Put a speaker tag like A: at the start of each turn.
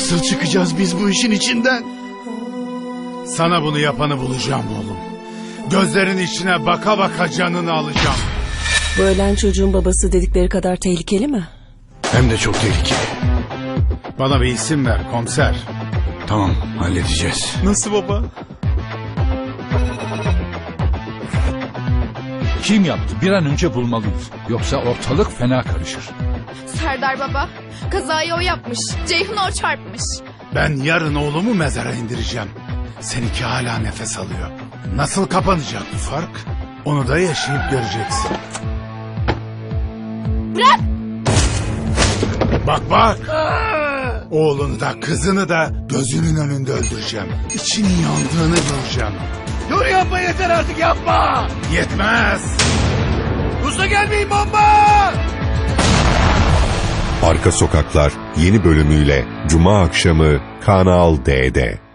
A: Nasıl çıkacağız biz bu işin içinden? Sana bunu yapanı bulacağım oğlum. Gözlerin içine baka baka canını alacağım.
B: Bu ölen çocuğun babası dedikleri kadar tehlikeli mi?
A: Hem de çok tehlikeli. Bana bir isim ver komiser.
C: Tamam, halledeceğiz.
A: Nasıl baba?
D: Kim yaptı? Bir an önce bulmalıyız. Yoksa ortalık fena karışır.
E: Serdar baba, kazayı o yapmış. Ceyhun'u o çarpmış.
A: Ben yarın oğlumu mezara indireceğim. Seninki hala nefes alıyor. Nasıl kapanacak bu fark? Onu da yaşayıp göreceksin.
E: Bırak!
A: Bak bak! Oğlunu da kızını da gözünün önünde öldüreceğim. İçinin yandığını göreceğim.
C: Dur yapma, yeter artık, yapma!
A: Yetmez!
C: Usta gelmeyin, bomba!
F: Arka Sokaklar yeni bölümüyle Cuma akşamı Kanal D'de.